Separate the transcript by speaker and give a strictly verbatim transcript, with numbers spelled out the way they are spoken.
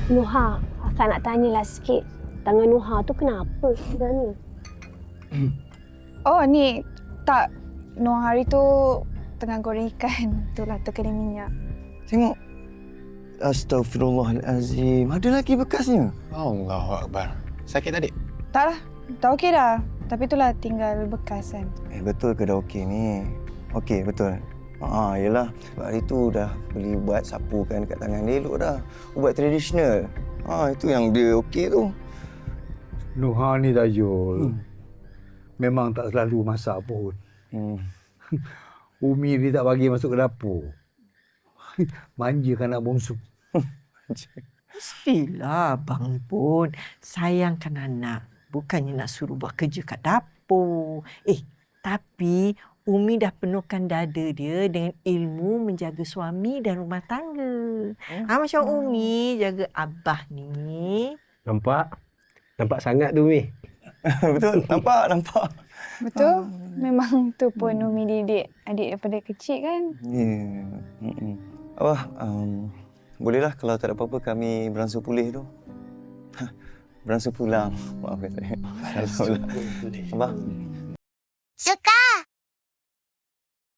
Speaker 1: Nuha, akak nak tanyalah sikit. Tangan Nuha tu kenapa sebenarnya?
Speaker 2: Oh, ni tak. Nuh hari tu tengah goreng ikan. Itulah terkena minyak.
Speaker 3: Tengok. Astaghfirullahalazim. Ada lagi bekasnya.
Speaker 4: Allahu Akbar. Sakit tadi?
Speaker 2: Tak lah. Dah okey dah. Tapi itulah tinggal bekas kan.
Speaker 3: Eh, betul ke dah okey ni? Okey, betul. Ah, yelah. Sebab hari tu dah beli ubat sapu kan dekat tangan dia. Elok dah. Ubat tradisional. Ah, itu yang dia okey tu.
Speaker 5: Nuha ni Dayul. Hmm. Memang tak selalu masak pun.
Speaker 3: Hmm.
Speaker 5: Umi dia tak bagi masuk ke dapur. Manjakan anak bongsu.
Speaker 6: Mestilah abang pun sayangkan anak. Bukannya nak suruh buat kerja kat dapur. Eh, tapi Umi dah penuhkan dada dia dengan ilmu menjaga suami dan rumah tangga. Hmm. Ha, macam Umi jaga abah ni.
Speaker 7: Nampak? Nampak sangat tu, Umi.
Speaker 3: Betul, nampak, nampak.
Speaker 2: Betul. Memang tu pun Umi didik adik daripada kecil kan.
Speaker 3: Ya. Yeah. Abah, um, bolehlah kalau tak ada apa-apa kami beransur pulih tu. Beransur pulang. Maafkan saya. Alhamdulillah. Abah.
Speaker 8: Suka!